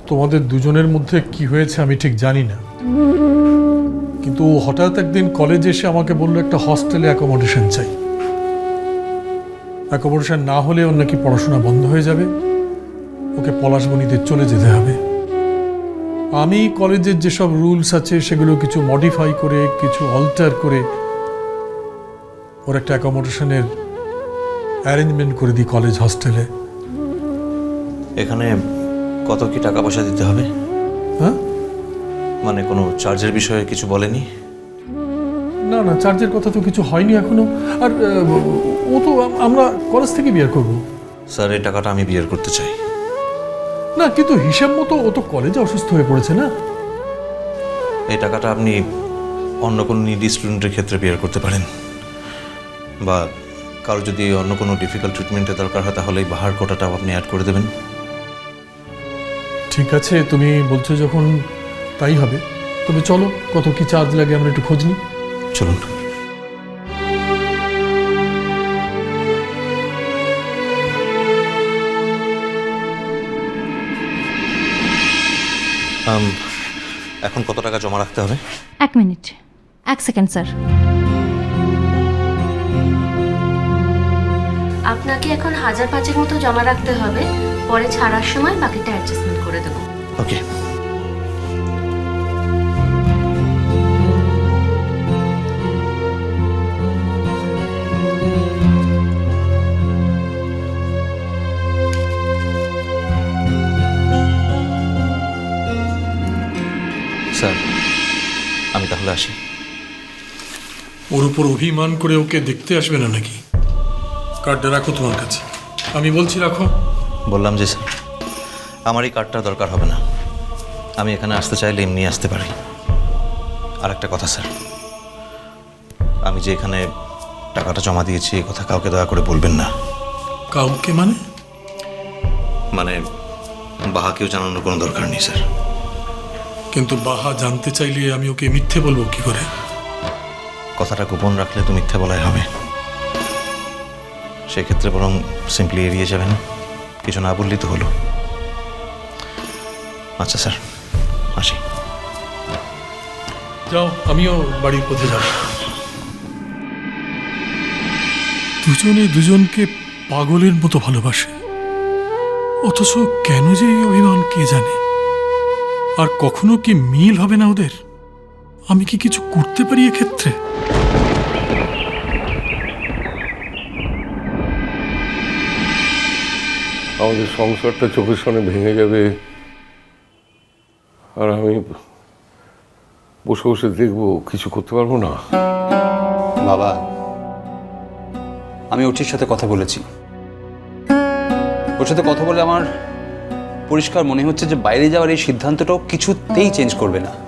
তোমাদের দুজনের মধ্যে কি হয়েছে আমি ঠিক জানি না, কিন্তু ও হঠাৎ একদিন কলেজে এসে আমাকে বললো একটা হস্টেলে অ্যাকোমোডেশন চাই। অ্যাকোমোডেশন না হলে ওর নাকি পড়াশোনা বন্ধ হয়ে যাবে, ওকে পলাশবনিতে চলে যেতে হবে। আমি কলেজের যেসব রুলস আছে সেগুলো কিছু মডিফাই করে, কিছু অল্টার করে ওর একটা অ্যাকোমোডেশনের অ্যারেঞ্জমেন্ট করে দিই কলেজ হস্টেলে। এখানে কত কি টাকা পয়সা দিতে হবে? হ্যাঁ, মানে কোনো চার্জের বিষয়ে কিছু বলেনি? না না, চার্জের কথা তো কিছু হয়নি এখনো। আর ও তো আমরা কলেজ থেকে বিয়ে করব। স্যার, এই টাকাটা আমি বিয়ের করতে চাই। না, কিন্তু হিসাব মতো ও তো কলেজে অসুস্থ হয়ে পড়েছে না। এই টাকাটা আপনি অন্য কোনো নিডি স্টুডেন্টের ক্ষেত্রে বিয়ের করতে পারেন, বা কারো যদি অন্য কোনো ডিফিকাল্ট ট্রিটমেন্টের দরকার হয় তাহলে এই বাহার কোটাটাও আপনি অ্যাড করে দেবেন। ঠিক আছে, তুমি বলছো যখন তাই হবে। তবে চলো, কত কি চার্জ লাগে আমরা একটু খোঁজ নিই। চলুন। এখন কত টাকা জমা রাখতে হবে? 1 মিনিট, 1 সেকেন্ড স্যার। আপনাকে এখন 1005 মতো জমা রাখতে হবে, পরে ছাড়ার সময় বাকিটা অ্যাডজাস্টমেন্ট করে দেবো। ওকে। স্যার, আমি তাহলে আসি। ওর উপর অভিমান করে ওকে দেখতে আসবে না নাকি? কার্ডটা রাখো তোমার কাছে। আমি বলছি রাখো। বললাম যে স্যার, আমার এই কার্ডটা দরকার হবে না। আমি এখানে আসতে চাইলে এমনি আসতে পারি। আর একটা কথা স্যার, আমি যে এখানে টাকাটা জমা দিয়েছি এই কথা কাউকে দয়া করে বলবেন না। কাউকে মানে? মানে বাহাকেও জানানোর কোনো দরকার নেই স্যার। কিন্তু বাহা জানতে চাইলে আমি ওকে মিথ্যে বলবো কি করে? কথাটা গোপন রাখলে তো মিথ্যে বলাই হবে। সেক্ষেত্রে বরং সিম্পলি এড়িয়ে যাবেন, কিছু না বললেই তো হলো। আচ্ছা স্যার, আসি। যাও, আমিও বাড়ির পথে যাব। দুজনে দুজনকে পাগলের মতো ভালোবাসে, অথচ কেন যে এই অভিমান কে জানে। আর কখনো কি মিল হবে না ওদের? আমি কি কিছু করতে পারি এক্ষেত্রে? আমাদের সংসারটা চোখের সামনে ভেঙে যাবে, আর আমি বসে বসে দেখবো, কিছু করতে পারবো না। বাবা, আমি ওটির সাথে কথা বলেছি। ওর সাথে কথা বলে আমার পরিষ্কার মনে হচ্ছে যে বাইরে যাওয়ার এই সিদ্ধান্তটাও কিছুতেই চেঞ্জ করবে না।